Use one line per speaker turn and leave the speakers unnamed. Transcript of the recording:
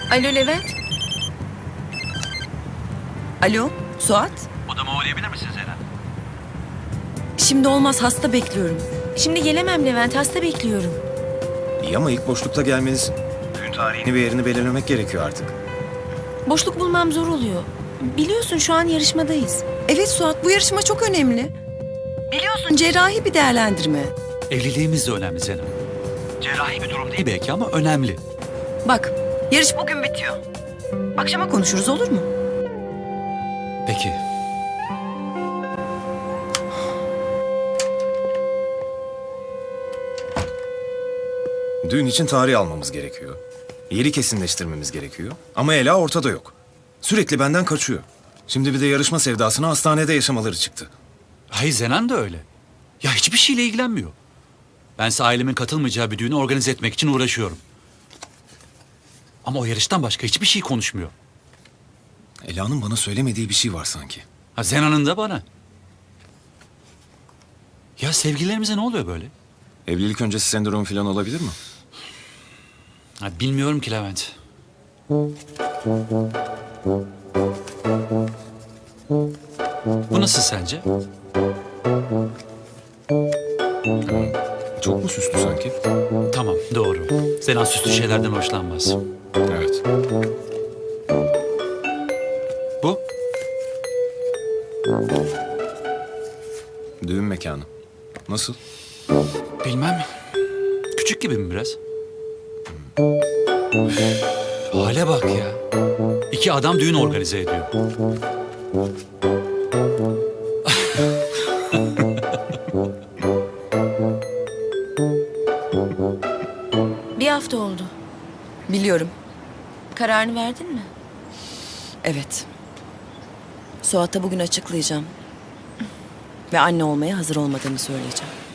Alo Levent. Alo Suat.
Odama uğrayabilir misin Zeren?
Şimdi olmaz, hasta bekliyorum. Şimdi gelemem Levent, hasta bekliyorum.
İyi ama ilk boşlukta gelmeniz... Düğün tarihini ve yerini belirlemek gerekiyor artık.
Boşluk bulmam zor oluyor. Biliyorsun şu an yarışmadayız.
Evet Suat, bu yarışma çok önemli. Biliyorsun cerrahi bir değerlendirme.
Evliliğimiz de önemli Zeren. Cerrahi bir durum değil belki ama önemli.
Bak, yarış bugün bitiyor. Akşama konuşuruz, olur mu?
Peki.
Düğün için tarih almamız gerekiyor. Yeri kesinleştirmemiz gerekiyor. Ama Ela ortada yok. Sürekli benden kaçıyor. Şimdi bir de yarışma sevdasına hastanede yaşamaları çıktı.
Hayır Zenan da öyle. Ya hiçbir şeyle ilgilenmiyor. Bense ailemin katılmayacağı bir düğünü organize etmek için uğraşıyorum. Ama o yarıştan başka hiçbir şey konuşmuyor.
Ela'nın bana söylemediği bir şey var sanki.
Ha Zenan'ın da bana. Ya sevgililerimize ne oluyor böyle?
Evlilik öncesi sendromu falan olabilir mi?
Ha, bilmiyorum ki Levent. Bu nasıl sence?
Çok mu süslü sanki?
Tamam doğru. Zenan süslü şeylerden hoşlanmaz.
Evet.
Bu?
Düğün mekanı. Nasıl?
Bilmem. Küçük gibi mi biraz? Hale bak ya. İki adam düğün organize ediyor.
Bir hafta oldu.
Biliyorum,
Kararını verdin mi?
evet. Suat'a bugün açıklayacağım. Ve anne olmaya hazır olmadığımı söyleyeceğim.